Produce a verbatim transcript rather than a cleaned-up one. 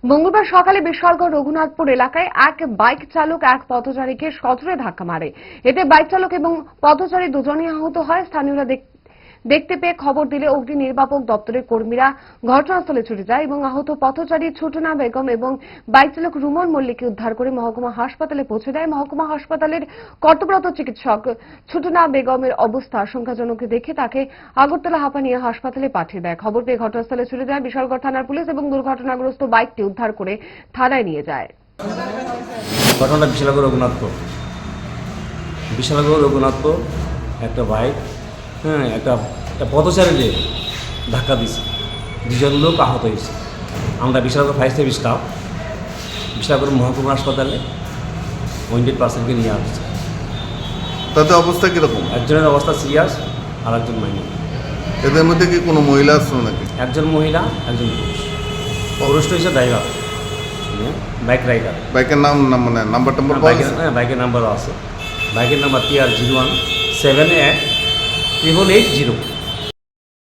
মঙ্গলবার সকালে বিশালগড় রঘুনাথপুর এলাকায় এক বাইক চালক এক পথচারীকে সজোরে ধাক্কা মারে। এতে বাইক চালক এবং পথচারী দুজনেই আহত হয়। স্থানীয়রা দেখতে পেয়ে খবর দিলে অগ্নি নির্বাপক দপ্তরের কর্মীরা ঘটনাস্থলে ছুটে যায় এবং আহত পথচারী ছোটনা বেগম এবং বাইক চালক রুমন মল্লিককে উদ্ধার করে মহকুমা হাসপাতালে পৌঁছে দেয়। মহকুমা হাসপাতালের কর্তব্যরত চিকিৎসক ছোটনা বেগমের অবস্থা আশঙ্কাজনক দেখে তাকে আগরতলা হাঁপানিয়া হাসপাতালে পাঠিয়ে দেয়। খবর পেয়ে ঘটনাস্থলে ছুটে যায় বিশালগড় থানার পুলিশ এবং দুর্ঘটনাগ্রস্ত বাইকটি উদ্ধার করে থানায় নিয়ে যায়। ঘটনাটা বিশালগড় রঘুনাথপুর বিশালগড় রঘুনাথপুর একটা বাইক হ্যাঁ একটা একটা পথচারীদের ধাক্কা দিয়েছে, দুজন লোক আহত হয়েছে। আমরা Bishalgarh fire service staff Bishalgarh মহকুমা হাসপাতালে হান্ড্রেড পার্সেন্টকে নিয়ে আসছে। তাদের অবস্থা কীরকম? একজনের অবস্থা সিরিয়াস আর একজন মাইনর। এদের মধ্যে কি কোনো মহিলা আসলো নাকি? একজন মহিলা, একজন পুরুষ। পুরুষটা হচ্ছে ড্রাইভার, বাইক রাইডার। বাইকের নাম নাম মানে নাম্বার টাম্বার বাইকের হ্যাঁ বাইকের নাম্বারও আছে। বাইকের নাম্বার টি আর zero one seven eight triple eight zero.